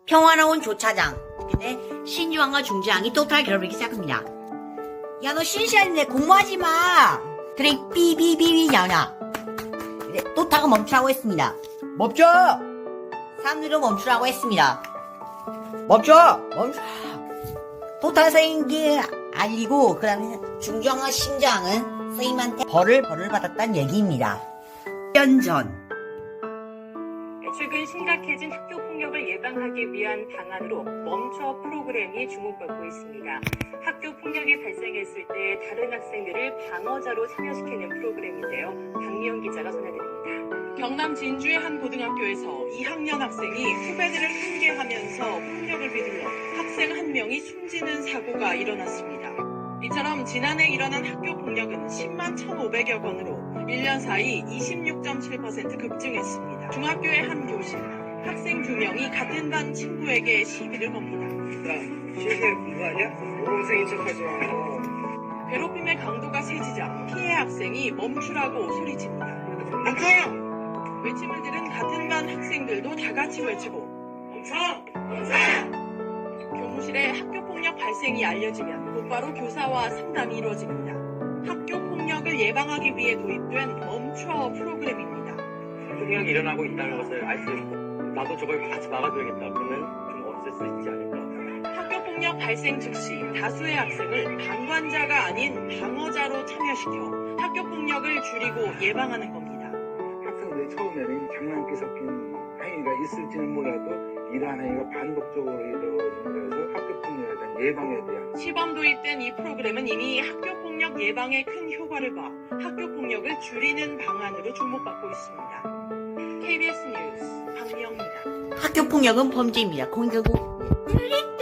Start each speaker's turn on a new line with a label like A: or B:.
A: 평화로운 조차장. 근데 신주왕과 중주왕이 또탈 결혼하기 시작합니다. 야, 너 신시한데 공부하지 마. 그래, 삐삐삐삐냐냐. 그래, 또타가 멈추라고 했습니다. 멈춰! 사람들도 멈추라고 했습니다. 멈춰! 또타 선생님께 알리고, 그 다음에 중주왕과 신주왕은 선생님한테 벌을 받았다는 얘기입니다. 1년 전.
B: 최근 심각해진 학교 폭력을 예방하기 위한 방안으로 멈춰 프로그램이 주목받고 있습니다. 학교 폭력이 발생했을 때 다른 학생들을 방어자로 참여시키는 프로그램인데요. 박미영 기자가 전해드립니다.
C: 경남 진주의 한 고등학교에서 2학년 학생이 후배들을 훈계하면서 폭력을 휘둘러 학생 한 명이 숨지는 사고가 일어났습니다. 이처럼 지난해 일어난 학교 폭력은 10만 1,500여 건으로 1년 사이 26.7% 급증했습니다. 중학교의 한 교실, 학생 2명이 같은 반 친구에게 시비를 겁니다.
D: 실내 공부하냐? 모범생인 척하지 마.
C: 괴롭힘의 강도가 세지자 피해 학생이 멈추라고 소리칩니다.
D: 멈춰!
C: 외침을 들은 같은 반 학생들도 다 같이 외치고
D: 멈춰! 멈춰!
C: 교무실에 학교폭력 발생이 알려지면 곧바로 교사와 상담이 이루어집니다. 학교폭력을 예방하기 위해 도입된 멈춰 프로그램입니다.
E: 폭력이 일어나고 있다는 것을 알 수 있고 나도 저걸 같이 막아줘야겠다. 그러면 좀 없앨 수 있지 않을까.
C: 학교폭력 발생 즉시 다수의 학생을 방관자가 아닌 방어자로 참여시켜 학교폭력을 줄이고 예방하는 겁니다.
D: 학생들이 처음에는 장난기 섞인 행위가 있을지는 몰라도 이러한 행위가 반복적으로 이루어지는 거라서 학교폭력에 대한 예방에 대한
C: 시범 도입된 이 프로그램은 이미 학교폭력 예방에 큰 효과를 봐 학교폭력을 줄이는 방안으로 주목받고 있습니다. KBS 뉴스 박미영입니다.
A: 학교 폭력은 범죄입니다. 공격은